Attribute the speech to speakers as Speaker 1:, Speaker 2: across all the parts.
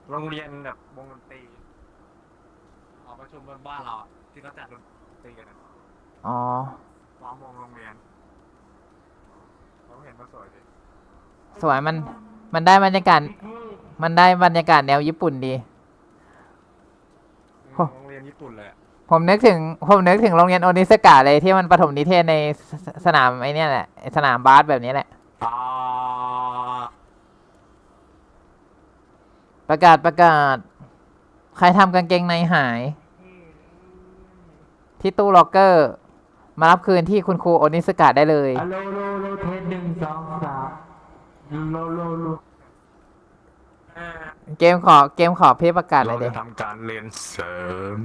Speaker 1: โรงเรียนแบบวงดนตรีหอประชุมบนบ้านเราที่เขาจัดดนตรีกัน
Speaker 2: อ๋อ
Speaker 1: ล้อมวงโรงเรียนเราเห็นมาสวยดิ
Speaker 2: สวยมันได้บรรยากาศมันได้บรรยากาศแนวญี่ปุ่นดี
Speaker 1: โรงเรียนญี่ปุ่นเลย
Speaker 2: ผมนึกถึงโรงเรียนโอนิสกะเลยที่มันประถมนิเทศในสนามไอ้นี่แหละสนามบาสแบบนี้แหละ
Speaker 1: อ่า
Speaker 2: ประกาศใครทำกางเกงในหายที่ตู้ล็อกเกอร์มารับคืนที่คุณครูโอนิสกะได้เลย
Speaker 3: โลโลเทส1 2 3โล
Speaker 2: เกมขอเพจประกาศเล
Speaker 1: เรา
Speaker 2: ยเด็
Speaker 1: จะทำการเรียนเสริม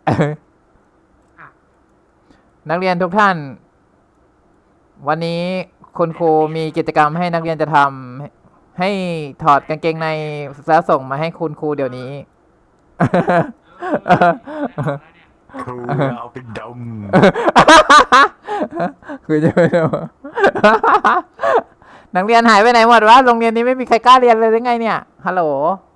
Speaker 2: นักเรียนทุกท่าน วันนี้คุณครูมีกิจกรรมให้นักเรียนจะทำให้ถอดกางเกงในแล้วส่งมาให้คุณครูเดี๋ยวนี้
Speaker 1: ครูเอาไปดม
Speaker 2: คือจะไม่รู้ นักเรียนหายไปไหนหมดวะโรงเรียนนี้ไม่มีใครกล้าเรียนเลยหรือไงเนี่ยฮัลโหล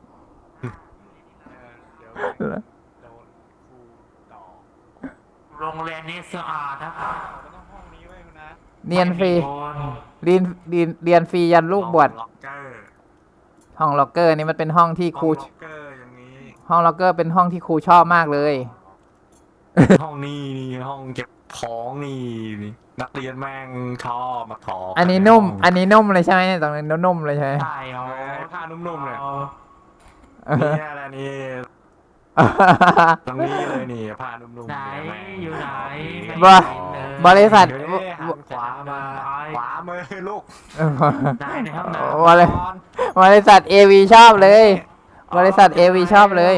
Speaker 1: เดี๋ยวโดนครูต่อ
Speaker 3: โรงเรียนนี้สะอาดนะครับ
Speaker 1: มันต้องห้องนี้ไว้นะ
Speaker 2: เรียนฟรี
Speaker 3: คน
Speaker 2: เรียนฟรียันลูกบวช
Speaker 1: ล็อกเกอร์
Speaker 2: ห้องล็อกเกอร์นี่มันเป็นห้องที่ครู
Speaker 1: ล็อกเกอร์อย่างนี้
Speaker 2: ห้องล็อกเกอร์เป็นห้องที่ครูชอบมากเลย
Speaker 1: ห้องนี้นี่ห้องเก็บของนี่นักเรียนแม่งชอบมาถอ
Speaker 2: อันนี้นุ่มเลยใช่ไหมตรงนี้นุ่มเลยใช่ไหม
Speaker 3: ใช่เอา
Speaker 1: ผ้านุ่มๆเลย
Speaker 2: เออ
Speaker 1: นี่อะไรนี่ตรงนี้เลยนี่ผ้านุ่มๆ
Speaker 3: ไหน
Speaker 1: เนี่ยแม่ง
Speaker 3: อยู่ไหน
Speaker 2: บริบริษัท
Speaker 1: เดี๋ยวนี้หันขวามาขวามือลูก
Speaker 3: ไหนในห้องน้
Speaker 2: บริษัท AV ชอบเลย บริษัท AV ชอบเลย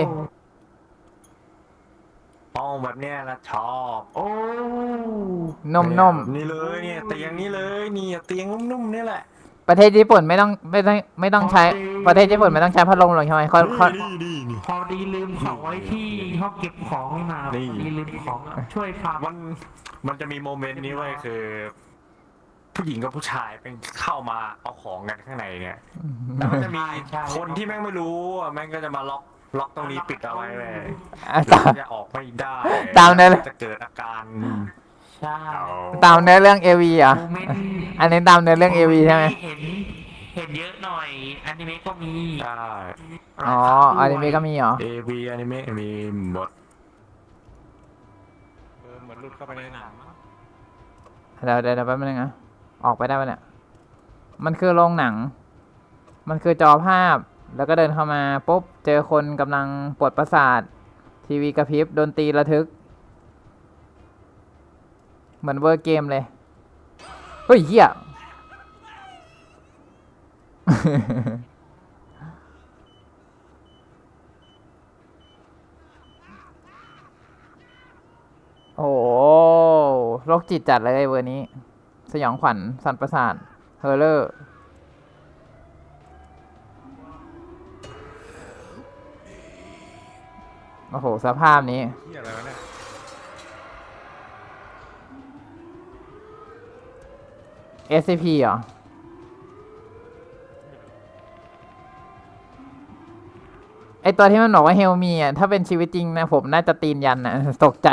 Speaker 1: ห้องแบบเนี้ยนะชอบ
Speaker 3: โอ้
Speaker 2: นุ่ม
Speaker 1: นี่เลยเนี่ยเตียงนี้เลยนี่เตียงนุ่มๆนี่แหละ
Speaker 2: ๆประเทศญี่ปุ่นไม่ต้องใช้ประเทศญี่ปุ่นไม่ต้องใช้พัดลมหรอกใช่ไหมเขา
Speaker 1: นี่
Speaker 3: พอดีลืมของไว้ที่ห้องเก็บของนี่มาพอดีลืมของช่วยฟัง
Speaker 1: มันจะมีโมเมนต์นี้ไว้ยคือ ผู้หญิงกับผู้ชายเป็นเข้ามาเอาของกันข้างในเนี่ยแล้วมันจะมีคนที่แม่งไม่รู้อ่ะแม่งก็จะมาล็อกตรงนี้ปิดเอาไว้เลย
Speaker 2: อ่ะ
Speaker 1: แล้วก็จะออกไม่ได้
Speaker 2: ตามนั้น
Speaker 1: จะเกิดอาการ
Speaker 3: ใช่
Speaker 2: ตามเนื้อเรื่อง AV อ่ะ
Speaker 3: โมเมนต์
Speaker 2: อันนี้ตามเนื้อเรื่อง AV ใช่ไหม
Speaker 3: เห็นเยอะหน่อยอนิเมะก็มี
Speaker 1: ใช่
Speaker 2: อ๋ออนิเมะก็มีเหรอ
Speaker 1: AV อนิเมะมีหมดเหมือนหลุดเข้าไปในหนังมั้ง
Speaker 2: เดี๋ยวแป๊บนึงนะออกไปได้ปะเนี่ยมันคือโรงหนัง มันคือจอภาพแล้วก็เดินเข้ามาปุ๊บเจอคนกำลังปวดประสาททีวีกระพริบดนตรีระทึก เหมือนเวอร์เกมเลย เฮ้ยเหี้ย โอ้โหโรคจิตจัดเลยเวอร์นี้ สยองขวัญสั่นประสาทเฮอร์เลอร์ โอ้โห สภาพนี้
Speaker 1: เหี้ยอะไรวะเนี่ย
Speaker 2: SCP เหรอ ไอตัวที่มันบอกว่าเฮลมีอ่ะ ถ้าเป็นชีวิตจริงนะ ผมน่าจะตีนยันอ่ะ ตกใจ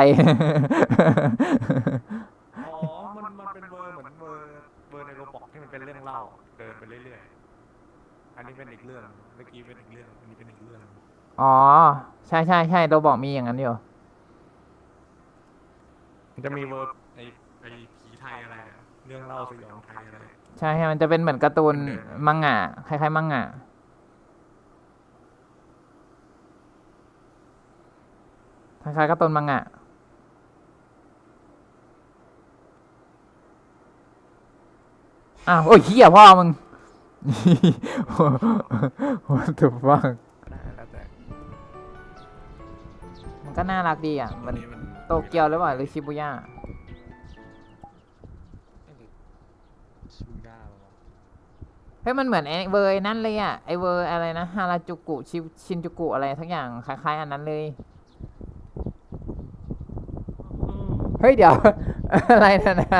Speaker 1: อ๋อมันเป็นเวอร์เหมือนเวอร์ในโรบอกที่มันเป็นเรื่องเล่าเดินไปเรื่อยๆอันนี้เป็นอีกเรื่องเมื่อกี้เป็นอีกเรื่องอันนี้เป็นอีกเรื่อง
Speaker 2: อ๋อ ใช่เราบอกมีอย่างนั้นอยู่
Speaker 1: มันจะมีเวอร์ไอผีไทยอะไรอะเรื่องเล่าสยองไทยอะไร
Speaker 2: ใช่มันจะเป็นเหมือนการ์ตูนมังงะคล้ายๆมังงะคล้ายๆการ์ตูนมังงะอ้าวโอ้ยเหี้ยพ่อมึง What the fuck
Speaker 1: แล้วแต่
Speaker 2: มันก็น่ารักดีอ่ะมัน
Speaker 1: นี้มัน
Speaker 2: โตเกียวหรือเปล่าหรือชิบูย่า
Speaker 1: ชูย่าปะวะ
Speaker 2: เฮ้ยมันเหมือนไอเวอร์ไอ้นั่นเลยอ่ะไอเวอร์อะไรนะฮาราจูกุชินจูกุอะไรทักอย่างคล้ายๆอันนั้นเลย เฮ้ยเดี๋ยว อะไรนั่นนะ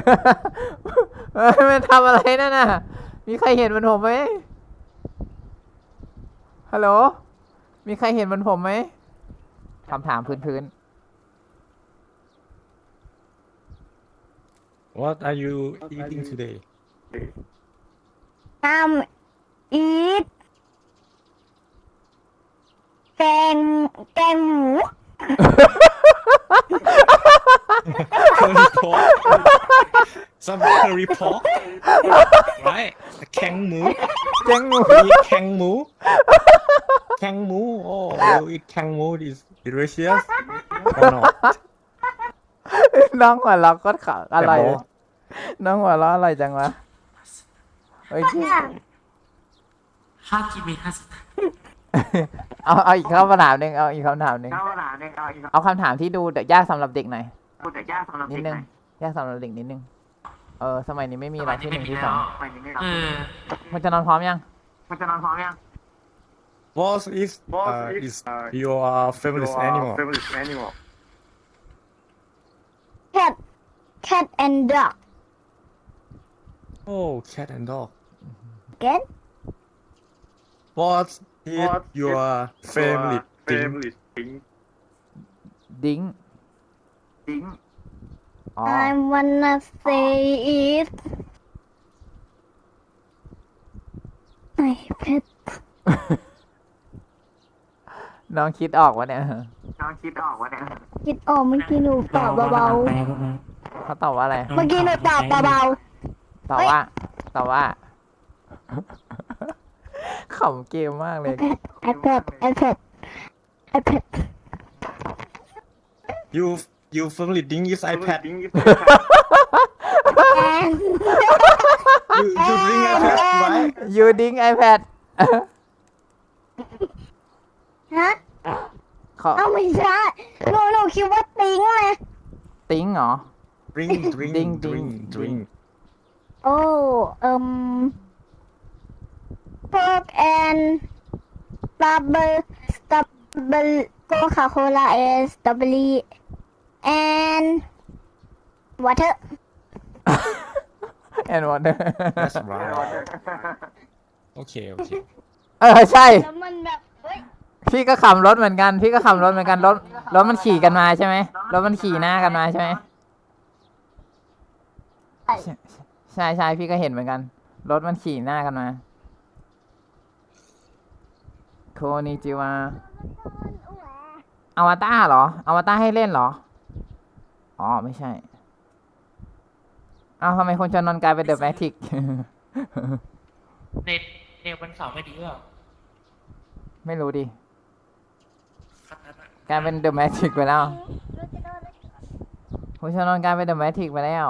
Speaker 2: มันทำอะไรนั่นน่ะ มีใครเห็นมันผมไหมฮัลโหลมีใครเห็นเหมันผมไหมคำถามพื้น
Speaker 1: What are you eating today
Speaker 4: eat แกงหมู
Speaker 1: curry pork some curry pork right แข็งหมู
Speaker 2: ๆเจ๊งหมู
Speaker 1: eat แข็งหมูแข็งหมู oh you eat แข็งหมู is delicious or not
Speaker 2: น้องหัวเราะก็ขาอะไรอยน้องหัวเราะอะไรจังวะเฮ้ย
Speaker 3: ฮากิมิฮัส
Speaker 2: เอาอีกคำถามหนึ่งเอาอีกคำถามหนึ่งเอาคำถามที่ดูยากสำหรับเด็กหน่อยนิดนึงยากสำหรับเด็กนิดนึงสมัยนี้ไม่มีอะไรที่หนึ่งที่สอง
Speaker 3: เออ
Speaker 2: มันจะนอนพร้อมยัง
Speaker 1: What is your favorite animal
Speaker 4: cat and dog
Speaker 1: oh cat and dog
Speaker 4: get
Speaker 1: What is your favorite thing
Speaker 2: ดิ้งอ๋อ
Speaker 4: I wanna say it ไอเพชร
Speaker 2: น้องคิดออกวะเนี่ย
Speaker 4: คิดออกเมื่อกี้หนูตอบเบา
Speaker 2: เขาตอบว่าอะไร
Speaker 4: ๆเมื่อกี้หนูตอบเบา
Speaker 2: ตอบว่า ขำเกมมากเลย
Speaker 4: ๆ iPad
Speaker 1: You favorite thing is iPad you bring iPad right
Speaker 2: you ดิ้ง iPad
Speaker 4: ฮะ
Speaker 2: เขา
Speaker 4: เอาไม่ใช่หนูคิดว่าติ้งเลย
Speaker 2: ติ้งเหรอ
Speaker 1: drink
Speaker 2: Ding,
Speaker 1: drink
Speaker 4: โอ้pork and strawberry Coca-Cola and strawberry and water
Speaker 2: and water
Speaker 1: That's right Okay
Speaker 2: ใช่
Speaker 4: แล้วมันแบบเฮ้ย
Speaker 2: พี่ก็ขับรถเหมือนกันรถมันขี่กันมาใช่ไหมรถมันขี่หน้ากันมาใช่ไหมใช่พี่ก็เห็นเหมือนกันรถมันขี่หน้ากันมาโคนิจิวาอวตารเหรออวตารให้เล่นเหรออ๋อไม่ใช่ทำไมคนชนนนกลายเป็นเดอะแมทริก
Speaker 3: เน็ตวันเสาร์ไม่ดีหรือเปล่า
Speaker 2: ไม่รู้ดิกลายเป็นเดอะแมทริกไปแล้วคนชนนนกลายเป็นเดอะแมทริกไปแล้ว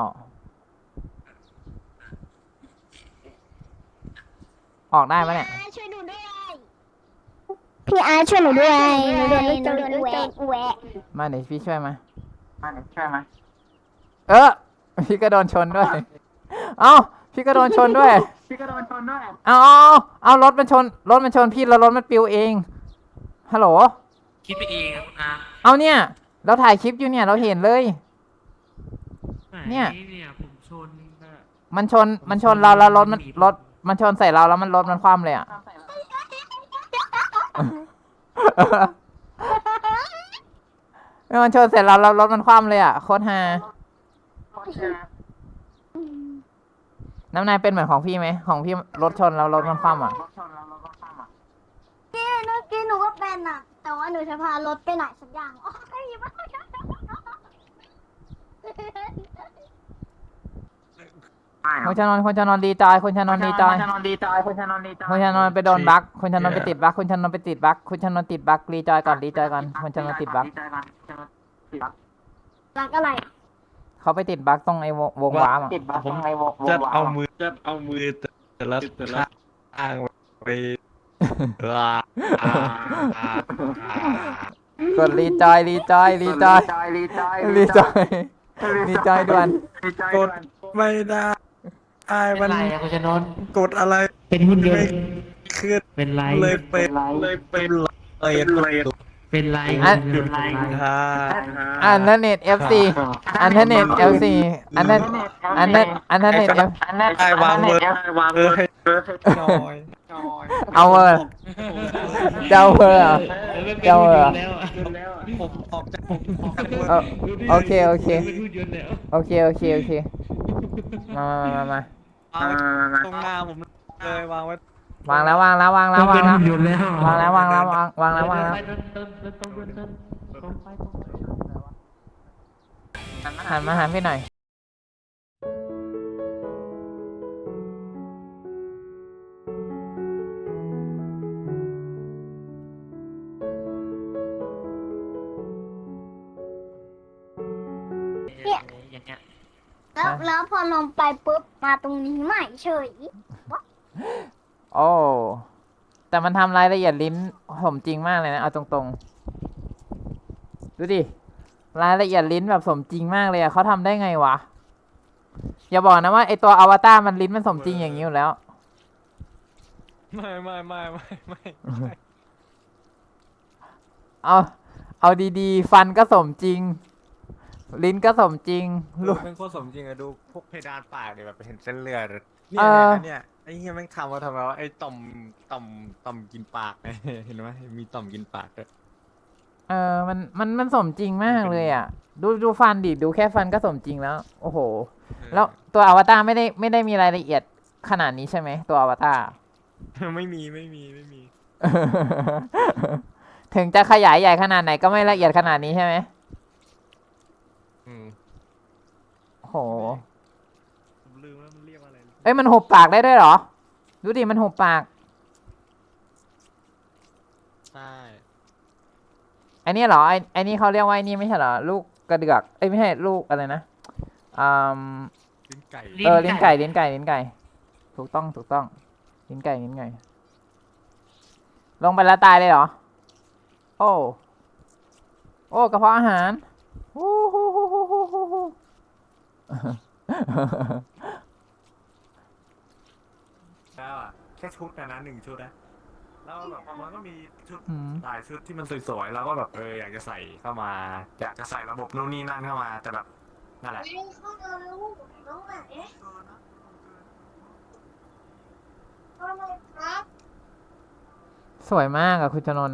Speaker 2: ออกได้ปะเนี่ย
Speaker 4: ช่วยหนูด้วยพี่อาร์ช่วยหนูด้วยหนูโดนแหวะ
Speaker 2: มาเดี๋ยวพี่ช่วยมาพี่ก็โดนชนด้วย พี่ก็โดนชนด้วยเอารถมันชนพี่แล้วรถมันปิวเองฮัลโหล
Speaker 3: คิดไปเองอะคุณอา
Speaker 2: เอาเนี่ยเราถ่ายคลิปอยู่เนี่ยเราเห็นเลย เนี่ย
Speaker 3: ผมชนนะ
Speaker 2: มันชนเราแล้วรถมันชนใส่เราแล้วรถมันคว่ำเลยอ่ะ มันชนเสร็จแล้วรถมันคว่ำเลยอ่ะโคตรฮาน้ำนายเป็นเหมือนของพี่ไหมของพี่รถชนแล้วรถมันคว่ำอ่ะ
Speaker 4: เมื่อกี้หนูก็เป็นอ่ะ แต่ว่าหนูจะพารถไปไหนสักอย่างอ๋อไม่มีบ้าง
Speaker 2: คนชนนดีใจคนชนนดีใจคนชนนไปโดนบั๊กคนชนนไปติดบั๊กคนชนนไปติดบั๊กคนชนนติดบั๊กรีจอยก่อนคนชนนติดบั๊ก
Speaker 4: รักอะไร
Speaker 2: เขาไปติดบั๊กตรงไอ้วงว้ามอ่ะ
Speaker 1: ผมจะเอามือแต่ละข้างไป
Speaker 2: กดรีจอยด่วน
Speaker 1: กดไม่ได้
Speaker 3: เป็น
Speaker 1: มัน
Speaker 3: ไรอะคุณชนน
Speaker 1: กดอะไร
Speaker 3: เป็นหุ่นยนต์
Speaker 1: ขึ้น
Speaker 3: เป็นไร
Speaker 1: เลยเป็น
Speaker 3: เป็นไร
Speaker 2: อันนั้นเน็ต FC อันนั้นเน็ต FC อันนั้นเน็ต
Speaker 1: ได้วางเบอร์ให้หน่อย
Speaker 2: เอาเวอร์เจ้าเวอร์เหรอ เจ้าเหรอ
Speaker 1: ผมออกจาก
Speaker 2: เออโอเคโอเค
Speaker 3: เป็นหุ่นยนต์แล้ว
Speaker 2: โอเคโอเคโอเคมามามา
Speaker 1: ตรงหน้าผมเลยวางไว้
Speaker 2: วางแล้ววางแล้ววางแล้ววาง
Speaker 3: เป็น
Speaker 2: แล้ว
Speaker 3: หุ่นยนต์แล้ว
Speaker 2: วางแล้ววางแล้ววางแล้ววางแล้ว
Speaker 3: เดินตรงไป
Speaker 2: หันมาหาพี่หน่อย
Speaker 3: อย่างเงี้ย
Speaker 4: แล้วพอลงไปปุ๊บมาตรงนี้ใหม่เฉย
Speaker 2: โอ้แต่มันทำรายละเอียดลิ้นสมจริงมากเลยนะเอาตรงๆดูดิรายละเอียดลิ้นแบบสมจริงมากเลยอะเขาทำได้ไงวะอย่าบอกนะว่าไอตัวอวตารมันลิ้นมันสมจริงอย่างนี้อยู่แล้ว
Speaker 1: ไม่
Speaker 2: เอาเอาดีๆ ฟันก็สมจริง ลิ้นก็สมจริง
Speaker 1: ลู
Speaker 2: ลู
Speaker 1: ก
Speaker 2: ก
Speaker 1: เป็นโคตรสมจริงอะดูพวกเพดานปากเนี่ยแบบเห็นเส้นเลือด
Speaker 2: เออ
Speaker 1: เนี่ยไอ้เหี้ยแม่งทำมาทำไมวะไอ้ต่อมกินปากเนี่ยเห็นไหมมีต่อมกินปากด้วย
Speaker 2: มันสมจริงมากเลยอ่ะ ดูฟันดิดูแค่ฟันก็สมจริงแล้ว โอ้โห แล้วตัวอวตารไม่ได้มีรายละเอียดขนาดนี้ใช่ไหมตัวอวตาร
Speaker 1: ไม่มี
Speaker 2: ถึงจะขยายใหญ่ขนาดไหนก็ไม่ละเอียดขนาดนี้ใช่ไหม
Speaker 1: อืม
Speaker 2: โอ้โห
Speaker 1: ผมลืมแล้วมันเรียกว่าอะไร
Speaker 2: เอ้ยมันหุบปากได้ด้วยเหรอ ดูดิมันหุบปาก
Speaker 1: ใช่
Speaker 2: ไอ้นี่เหรอไอ้นี่เขาเรียกว่าไอ้นี่ไม่ใช่เหรอลูกกระเดือกเอ้ยไม่ใช่ลูกอะไรนะอืม
Speaker 1: ลิ้นไก่
Speaker 2: ลิ้นไก่ถูกต้องลิ้นไก่ลงไปแล้วตายเลยเหรอโอ้กระเพาะอาหารโอ้โห
Speaker 1: แล้วอ่ะแค่ชุดนะ1 ชุดนะแล้วแบบมันก็มีชุด
Speaker 2: อืม
Speaker 1: หลายชุดที่มันสวยๆแล้วก็แบบอยากจะใส่เข้ามาอยากจะใส่ระบบนู่นนี่นั่นเข้ามาแต่แบบนั่นแหละ
Speaker 4: เข้ามาลูกน้องไหนเข้ามาครับ
Speaker 2: สวยมากอะคุณชนนท์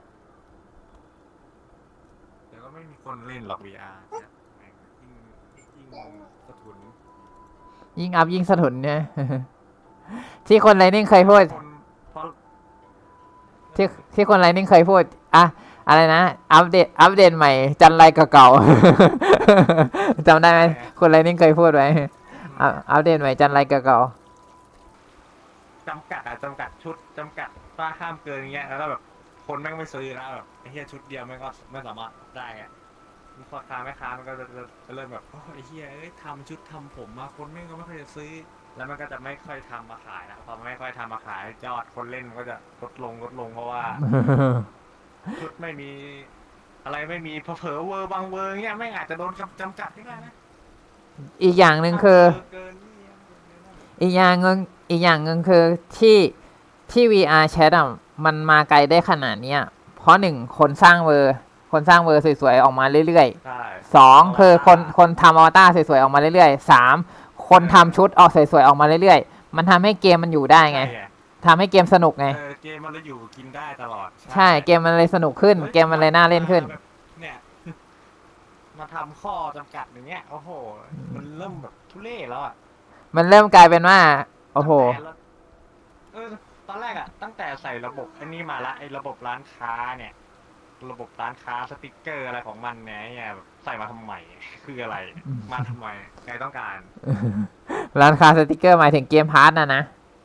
Speaker 1: เดี๋ยวก็ไม่มีคนเล่นหรอก VR เนี่ยแม่งยิ่งสะทุน
Speaker 2: ยิ่งอัพยิ่งสะทุนเนี่ย ที่คนไรนิ่งเคยพูด
Speaker 1: คนเพราะ
Speaker 2: ที่คนไรนิ่งเคยพูดอะอะไรนะอัปเดตใหม่จันไรเก่าๆ จำได้ไหมคนไรนิ่งเคยพูดไว้อัปเดตใหม่จันไรเก่า
Speaker 1: จำกัดชุดจำกัดว่าห้ามเกินเงี้ยแล้วก็แบบคนแม่งไม่ซื้อแล้วแบบไอ้เหี้ยชุดเดียวแม่งก็ไม่สามารถได้ไงมีพ่อค้าแม่ค้ามันก็จะเริ่มแบบโอ้ไอ้เหี้ยทำชุดทำผมมาคนแม่งก็ไม่ค่อยจะซื้อแล้วมันก็จะไม่ค่อยทำมาขายนะพอไม่ค่อยทำมาขายยอดคนเล่นมันก็จะลดลงเพราะว่า
Speaker 2: ๆ
Speaker 1: ชุดไม่มีอะไรไม่มีเผลอๆเวอร์บางเวอร์เงี้ยไม่งอาจจะโดนจำกัดได้นะ
Speaker 2: อีกอย่างหนึ่งคือ
Speaker 1: เกินนี่
Speaker 2: อีกอย่างหนึ่งคือที่ VR Chat อ่ะมันมาไกลได้ขนาดเนี้ยเพราะ1คนสร้างเวอร์สวยๆออกมาเรื่อย
Speaker 1: ใช่
Speaker 2: ๆ2คือคนทำอวตารสวยๆออกมาเรื่อยๆ3คนทำชุดออกสวยๆออกมาเรื่อยๆมันทำให้เกมมันอยู่ได้ไงทำให้เกมสนุกไง
Speaker 1: เกมมันเลยอยู่กินได้ตลอด
Speaker 2: ใช่เกมมันเลยสนุกขึ้น เกมมันเลยน่าเล่นขึ้น
Speaker 1: เนี่ย มาทำข้อจำกัดอย่างเงี้ยโอ้โหมันเริ่มแบบทุเรศแล้วอ่ะ
Speaker 2: มันเริ่มกลายเป็นว่าโอ้โห
Speaker 1: ตอนแรกอ่ะตั้งแต่ใส่ระบบอันนี้มาละไอ้ระบบร้านค้าเนี่ย ระบบร้านค้าสติกเกอร์อะไรของมันเนี่ยแบบใส่มาทำไมคืออะไรมาทำไมใครต้องการ
Speaker 2: ร้านค้าสติกเกอร์หมายถึงเกมพาร์ทนะ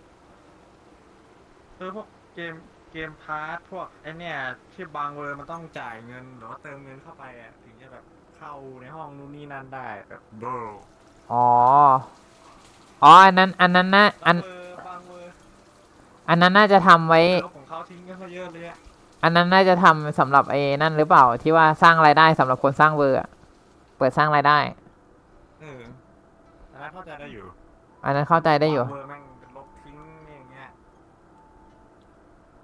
Speaker 1: พวกเกมพาร์ทพวกไอเนี่ยที่บางเวอร์มันต้องจ่ายเงินหรือว่าเติมเงินเข้าไปอ่ะถึงจะแบบเข้าในห้องนู่นนี่นั่นได้แบบโบร
Speaker 2: อ๋ออันนั้นนะ
Speaker 1: บางเวอร์
Speaker 2: อันนั้นน่าจะทำไว้
Speaker 1: ลบของเขาทิ้งกันซะเยอะเลยอ่ะ
Speaker 2: อันนั้นน่าจะทำสำหรับไอ้นั่นหรือเปล่าที่ว่าสร้างรายได้สำหรับคนสร้างเวอร์อะเปิดสร้างรายได้
Speaker 1: อันนั้นเข้าใจได้อยู่
Speaker 2: อันนั้นเข้าใจได้อยู่
Speaker 1: บางเวอร์แม่ง